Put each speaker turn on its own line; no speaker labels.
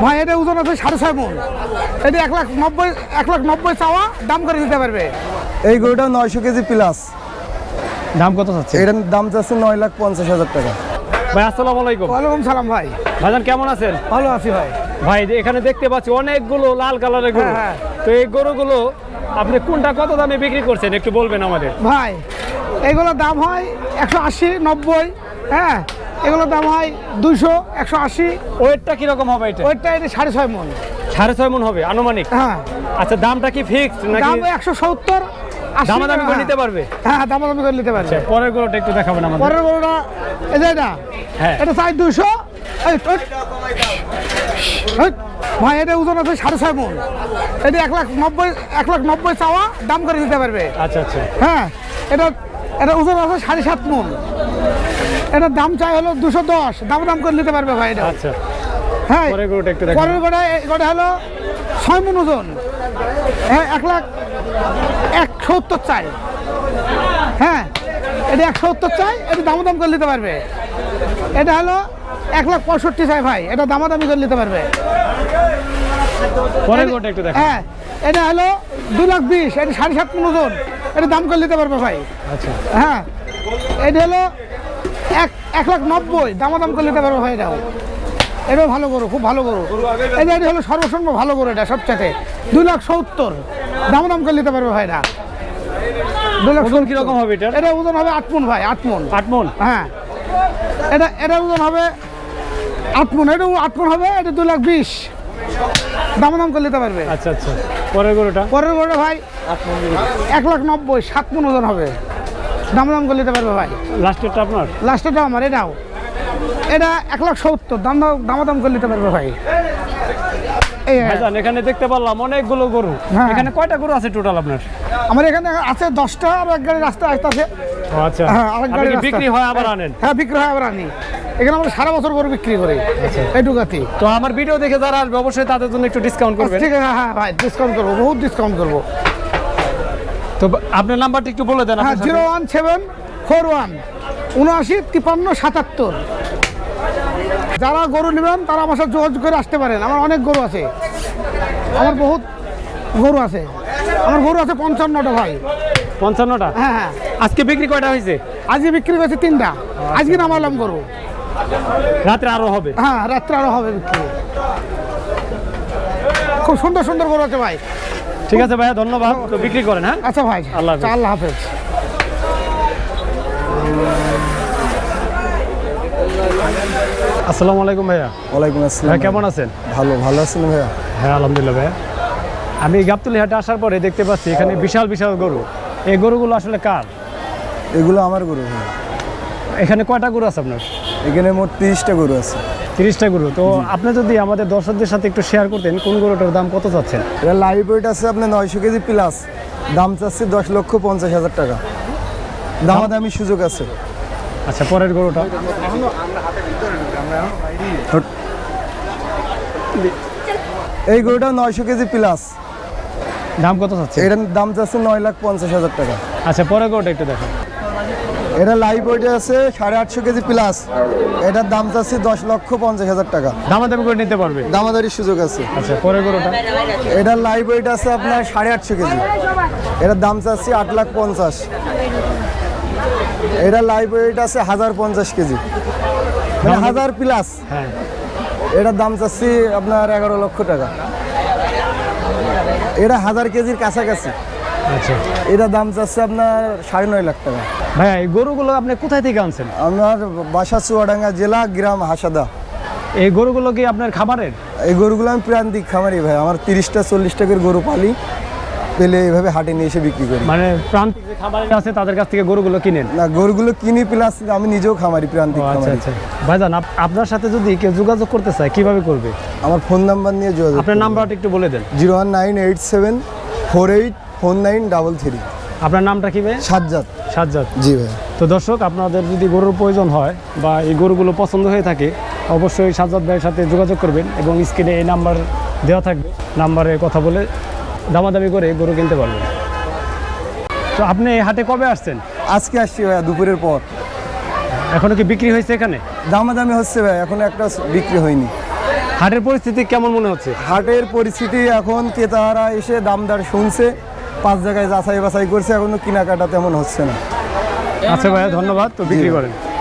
ভাই এটা ওজন আছে 6.5 মণ। এটা 1,90,000 চাওয়া, দাম করে দিতে পারবে।
এই গরুটা 900 কেজি প্লাস।
দাম কত চাচ্ছে?
এটার দাম চাচ্ছে 9,50,000 টাকা।
ভাই আসসালামু আলাইকুম।
ওয়ালাইকুম সালাম ভাই।
ভাইজান কেমন আছেন?
ভালো আছি ভাই।
ভাই এখানে দেখতে পাচ্ছি অনেকগুলো লাল কালারের গরু।
হ্যাঁ।
তো এই গরুগুলো আপনি কোনটা কত দামে বিক্রি করছেন একটু বলবেন আমাদের?
ভাই এগুলোর দাম হয় 180, 90। হ্যাঁ, এগুলোর দাম হয় 200, 180।
ওয়েটটা কিরকম হবে এটা?
ওইটা এটা 6.5 মণ।
6.5 মণ হবে আনুমানিক।
হ্যাঁ,
আচ্ছা, দামটা কি ফিক্সড নাকি
দাম 170, 80।
দামাদামি করে নিতে পারবে?
হ্যাঁ, দামাদামি করে নিতে পারবে।
আচ্ছা, পরের গরুটা একটু দেখাবেন আমাদের।
পরের গরুটা এই যে এটা,
হ্যাঁ।
এটা চাই 200। ভাই এটা ওজন আছে 6.5 মণ। এটা 1,90,000 চাওয়া, দাম করে দিতে পারবে।
আচ্ছা আচ্ছা।
হ্যাঁ, এটা ওজন আছে 7.5 মণ। এটার দাম চাই হলো 210, দাম করে নিতে পারবে ভাই এটা।
আচ্ছা,
হ্যাঁ,
পরের গরুটা একটু দেখাবেন।
পরের গোটা হলো 6 মণ ওজন। হ্যাঁ, 1,70,000 চাই। হ্যাঁ, এটা 170 চাই, এটা দাম করে নিতে পারবে। এটা হলো 1,65,000 চাই ভাই, এটা দামাদামি করে নিতে পারবে।
পরের গরুটা একটু দেখাবেন।
হ্যাঁ, এটা হলো 2,20,000, এটা 7.5 মণ ওজন, এটা দাম করে নিতে পারবে ভাই।
আচ্ছা,
হ্যাঁ, এটা হলো 1,90,000, দাম করে নিতে পারবে ভাই। এটাও ভালো গরু, খুব ভালো গরু। এটা হলো সর্বসম্ভ ভালো গরু, এটা সবচেয়ে 2,70,000, দাম করে নিতে পারবে ভাই। এটা 2,70,000।
ওজন কিরকম হবে এটা?
এটা ওজন হবে 8 মণ ভাই, 8 মণ।
8 মণ?
হ্যাঁ, এটা ওজন হবে 8 মণ, এটা 8 মণ হবে, এটা 2,20,000, দাম করে নিতে পারবে।
আচ্ছা আচ্ছা, পরের গরুটা?
পরের গরুটা ভাই 1,90,000, 7 মণ ওজন হবে, দাম করে নিতে পারবে ভাই।
লাস্টেরটা আপনার?
লাস্টেরটা আমার। এটা 1,70,000, দাম করে নিতে পারবে ভাই। এই
ভাইজান এখানে দেখতে পারলাম অনেকগুলো গরু।
হ্যাঁ।
এখানে কয়টা গরু আছে টোটাল আপনার?
আমার এখানে আছে 10টা, আর এক গাড়ি রাস্তায় আসতেছে।
ও আচ্ছা,
হ্যাঁ, আরেক
আপনি
গাড়ি
কি
রাস্তা।
বিক্রি হয় আবার আনেন?
হ্যাঁ, বিক্রি হয় আবার আনি। এখানে আমরা সারা বছর গরু বিক্রি করি এইটুকাতে।
তো আমার ভিডিও দেখে যারা আসবে অবশ্যই তাদের জন্য একটু ডিসকাউন্ট করবেন।
ঠিক আছে, হ্যাঁ ভাই, ডিসকাউন্ট করবো, বহুত ডিসকাউন্ট করবো।
তো আপনার নাম্বারটা একটু বলে দেন।
হ্যাঁ, 01741 795377। যারা গরু নেবেন তারা আমার সাথে যোগাযোগ করে আসতে পারেন। আমার অনেক গরু আছে, আমার বহুত গরু আছে। আমার গরু আছে 55টা ভাই।
55টা?
হ্যাঁ হ্যাঁ,
আজকে বিক্রি কয়টা হয়েছে?
আজকে বিক্রি করেছে 3টা। আজকে নামালাম গরু।
রাত্রে আরো হবে?
হ্যাঁ, রাত্রে আরো হবে বিক্রি। খুব সুন্দর সুন্দর গরু আছে ভাই।
ঠিক আছে ভাইয়া, ধন্যবাদ। তো বিক্রি করেন। হ্যাঁ,
আচ্ছা ভাই,
আল্লাহ হাফেজ।
আল্লাহ হাফেজ।
আসসালামু আলাইকুম ভাইয়া।
ওয়ালাইকুম আসসালাম।
ভাই কেমন আছেন?
ভালো আছেন ভাইয়া?
হ্যাঁ আলহামদুলিল্লাহ ভাইয়া। আমি গাবতলী হাটে আসার পরে দেখতে পাচ্ছি এখানে বিশাল বিশাল গরু। এই গরুগুলো আসলে কার?
এগুলো আমার গরু ভাইয়া।
এখানে কয়টা গরু আছে আপনার?
এখানে মোট 30টা গরু আছে।
30টা গরু। তো আপনি যদি আমাদের দর্শকদের সাথে একটু শেয়ার করতেন কোন গরুটার দাম কত চাচ্ছেন?
এটা লাইভ ওয়েট আছে আপনার 900 কেজি প্লাস, দাম চাচ্ছে 10,50,000 টাকা, দামাদামি সুযোগ আছে।
আচ্ছা, পরের গরুটা?
এই গরুটা 900 কেজি প্লাস,
দাম কত চাচ্ছে?
এটার দাম চাচ্ছে 9,50,000 টাকা।
আচ্ছা, পরের গরুটা একটু দেখেন।
এটা লাইভ ওয়েটে আছে 850 কেজি প্লাস, এটার দাম চাচ্ছে 10,50,000 টাকা,
দামাদামি করে নিতে পারবে?
দামাদারির সুযোগ আছে।
আচ্ছা, পরের গরুটা?
এটার লাইভ ওয়েট আছে আপনার 850 কেজি, এটার দাম চাচ্ছি 8,50,000। এটার লাইভ ওয়েট আছে 1,050 কেজি, মানে 1000 প্লাস।
হ্যাঁ,
এটার দাম চাচ্ছি আপনার 11 লক্ষ টাকা। এটা 1000 কেজির কাছাকাছি,
আচ্ছা।
এটার দাম চাচ্ছে আপনার 9.5 লাখ টাকা।
ভাইয়া এই গরুগুলো আপনি কোথায় থেকে আনছেন?
আমার বাসা চুয়াডাঙ্গা জেলা, গ্রাম হাসাদা।
এই গরুগুলো কি আপনার খামারের?
এই গরুগুলো আমি প্রান্তিক খামারি ভাই, আমার 30টা 40টা করে গরু পালি, পেলে এইভাবে হাটে নিয়ে এসে বিক্রি করি।
মানে প্রান্তিক যে খামারি আছে তাদের কাছ থেকে গরুগুলো কিনেন?
না, গরুগুলো কিনি প্লাস আমি নিজেও খামারি, প্রান্তিক
আচ্ছা
খামারি।
আচ্ছা। ভাইজান আপনার সাথে যদি কেউ যোগাযোগ করতে চায় কিভাবে করবে?
আমার ফোন নাম্বার নিয়ে যোগাযোগ।
আপনার নাম্বারটা একটু বলে দেন।
01987484933।
আপনার নামটা কি ভাই?
সাজ্জাদ।
সাজ্জাদ।
জি ভাই।
তো দর্শক, আপনাদের যদি গরুর প্রয়োজন হয় বা এই গরুগুলো পছন্দ হয়ে থাকে অবশ্যই সাজ্জাদ ভাইয়ের সাথে যোগাযোগ করবেন এবং স্ক্রিনে এই নাম্বার দেওয়া থাকবে, নাম্বারে কথা বলে দামাদামি করে গরু কিনতে পারবেন। তো আপনি এই হাটে কবে আসছেন?
আজকে আসছি ভাইয়া, দুপুরের পর।
এখনো কি বিক্রি হয়েছে এখানে?
দামাদামি হচ্ছে ভাই, এখনো একটা বিক্রি হয়নি।
হাটের পরিস্থিতি কেমন মনে হচ্ছে?
হাটের পরিস্থিতি এখন ক্রেতারা এসে দামদার শুনছে, 5 জায়গায় যাচাই বাছাই করছে, এখনো কেনাকাটা তেমন হচ্ছে না।
আচ্ছা ভাইয়া, ধন্যবাদ, তো বিক্রি করেন।